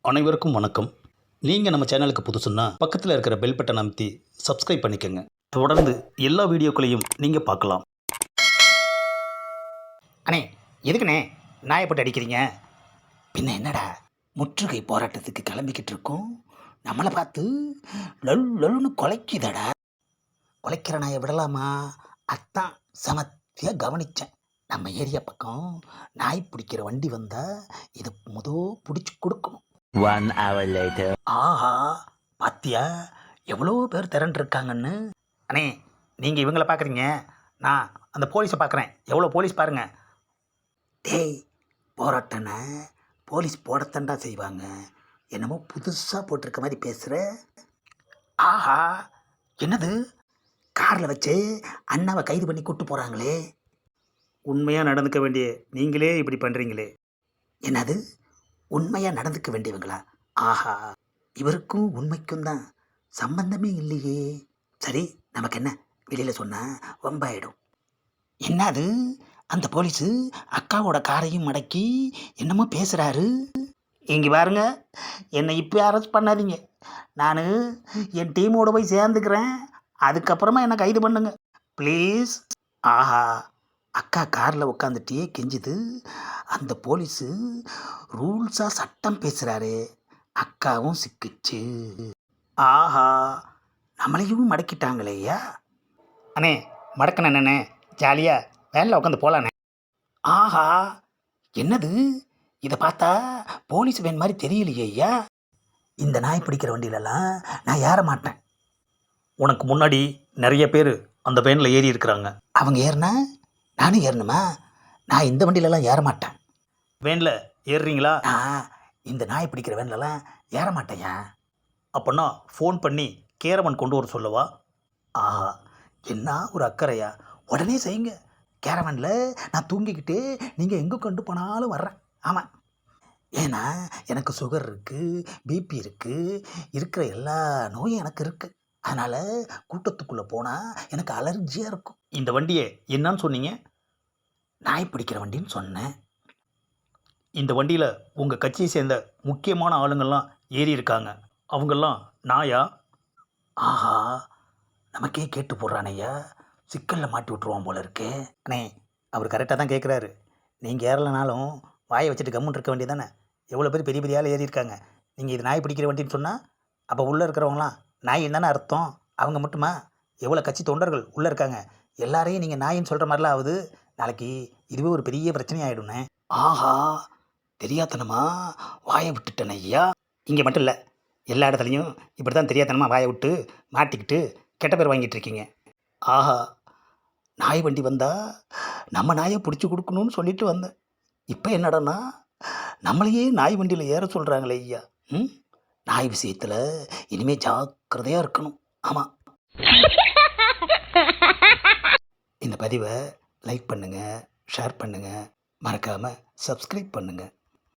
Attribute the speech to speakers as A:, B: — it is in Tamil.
A: அனைவருக்கும் வணக்கம். நீங்கள் நம்ம சேனலுக்கு புதுசுன்னா பக்கத்தில் இருக்கிற பெல் பட்டனை அமைத்தி சப்ஸ்கிரைப் பண்ணிக்கோங்க. தொடர்ந்து எல்லா வீடியோக்களையும் நீங்கள் பார்க்கலாம்.
B: அண்ணே, எதுக்குண்ணே நாயை போட்டு அடிக்கிறீங்க? பின்ன என்னடா, முற்றுகை போராட்டத்துக்கு கிளம்பிக்கிட்டு இருக்கோம், நம்மளை பார்த்து லொல் லொல்னு குலைக்குதடா. குலைக்கிற நாயை விடலாமா? அதான் சமத்தியாக கவனித்தேன். நம்ம ஏரியா பக்கம் நாய் பிடிக்கிற வண்டி வந்தால் இது பிடிச்சி கொடுக்கணும்.
C: 1 hour later.
B: ஆஹா, பாத்தியா எவ்வளோ பேர் திரண்டிருக்காங்கன்னு. அண்ணே, நீங்கள் இவங்கள பார்க்குறீங்க, நான் அந்த போலீஸை பார்க்குறேன். எவ்வளோ போலீஸ் பாருங்க. டேய், போராட்டனை போலீஸ் போடத்தண்டா செய்வாங்க. என்னமோ புதுசாக போட்டிருக்க மாதிரி பேசுகிற. ஆஹா, என்னது காரில் வச்சு அண்ணாவை கைது பண்ணி கூப்பிட்டு போகிறாங்களே. உண்மையாக நடந்துக்க வேண்டிய நீங்களே இப்படி பண்ணுறீங்களே. என்னது உண்மையாக நடந்துக்க வேண்டியவங்களா? ஆஹா, இவருக்கும் உண்மைக்கும் தான் சம்பந்தமே இல்லையே. சரி, நமக்கு என்ன, வெளியில் சொன்னால் வம்பாயிடும். என்னது, அந்த போலீஸு அக்காவோட காரையும் மடக்கி என்னமோ பேசுகிறாரு. இங்கே பாருங்க, என்னை இப்போ அரெஸ்ட் பண்ணாதீங்க. நான் என் டீமோடு போய் சேர்ந்துக்கிறேன். அதுக்கப்புறமா என்னை கைது பண்ணுங்க ப்ளீஸ். ஆஹா, அக்கா காரில் உட்காந்துட்டே கெஞ்சுது. அந்த போலீஸு ரூல்ஸாக சட்டம் பேசுகிறாரு. அக்காவும் சிக்கிச்சு. ஆஹா, நம்மளையும் மடக்கிட்டாங்களேயா. அண்ணே, மடக்கணே என்னண்ணே, ஜாலியாக வேனில் உட்காந்து போகலாண்ணே. ஆஹா, என்னது, இதை பார்த்தா போலீஸ் வேன் மாதிரி தெரியலையே ஐயா. இந்த நாய் பிடிக்கிற வண்டியிலலாம் நான் ஏற மாட்டேன்.
A: உனக்கு முன்னாடி நிறைய பேர் அந்த வேனில் ஏறி இருக்கிறாங்க.
B: அவங்க ஏறினா நானும் ஏறணுமா? நான் இந்த வண்டியிலலாம் ஏற மாட்டேன்.
A: வேனில் ஏறுறீங்களா?
B: நான் இந்த நாய் பிடிக்கிற வேன்லலாம் ஏற மாட்டேயா.
A: அப்போனா ஃபோன் பண்ணி கேரவன் கொண்டு வர சொல்லவா?
B: ஆஹா, என்ன ஒரு அக்கறையா. உடனே செய்யுங்க. கேரவனில் நான் தூங்கிக்கிட்டு நீங்கள் எங்கே கொண்டு போனாலும் வர்றேன். ஆமாம், ஏன்னா எனக்கு சுகர் இருக்குது, பிபி இருக்குது, இருக்கிற எல்லா நோயும் எனக்கு இருக்குது. அதனால் கூட்டத்துக்குள்ளே போனால் எனக்கு அலர்ஜியாக இருக்கும்.
A: இந்த வண்டியை என்னன்னு சொன்னீங்க?
B: நாய் பிடிக்கிற வண்டின்னு சொன்னேன்.
A: இந்த வண்டியில் உங்கள் கட்சியை சேர்ந்த முக்கியமான ஆளுங்கள்லாம் ஏறி இருக்காங்க. அவங்கெல்லாம் நாயா?
B: ஆஹா, நமக்கே கேட்டு போடுறானையா. சிக்கலில் மாட்டி விட்ருவான் போல இருக்கே. அண்ணே, அவர் கரெக்டாக தான் கேட்குறாரு. நீங்கள் ஏறலைனாலும் வாயை வச்சுட்டு கம்முன்னு இருக்க வேண்டியதானே. எவ்வளோ பேர் பெரிய பெரிய ஆள் ஏறி இருக்காங்க. நீங்கள் இது நாய் பிடிக்கிற வண்டின்னு சொன்னால் அப்போ உள்ளே இருக்கிறவங்களாம் நாயின்னு தானே அர்த்தம். அவங்க மட்டுமா, எவ்வளோ கட்சி தொண்டர்கள் உள்ளே இருக்காங்க. எல்லாரையும் நீங்கள் நாயின்னு சொல்கிற மாதிரிலாம் ஆகுது. நாளைக்கு இதுவே ஒரு பெரிய பிரச்சனை ஆகிடுண்ணே. ஆஹா, தெரியாதனமா வாயை விட்டுட்டேன் ஐயா. இங்கே மட்டும் இல்லை, எல்லா இடத்துலையும் இப்படி தான் தெரியாதனமாக வாயை விட்டு மாட்டிக்கிட்டு கெட்ட பேர் வாங்கிட்டு இருக்கீங்க. ஆஹா, நாய் வண்டி வந்தால் நம்ம நாயை பிடிச்சி கொடுக்கணும்னு சொல்லிட்டு வந்தேன். இப்போ என்னடான்னா நம்மளையே நாய் வண்டியில் ஏற சொல்கிறாங்களே ஐயா. நாய் விஷயத்தில் இனிமேல் ஜாக்கிரதையாக இருக்கணும். ஆமாம், இந்த பதிவை லைக் பண்ணுங்கள், ஷேர் பண்ணுங்கள், மறக்காமல் சப்ஸ்கிரைப் பண்ணுங்கள்.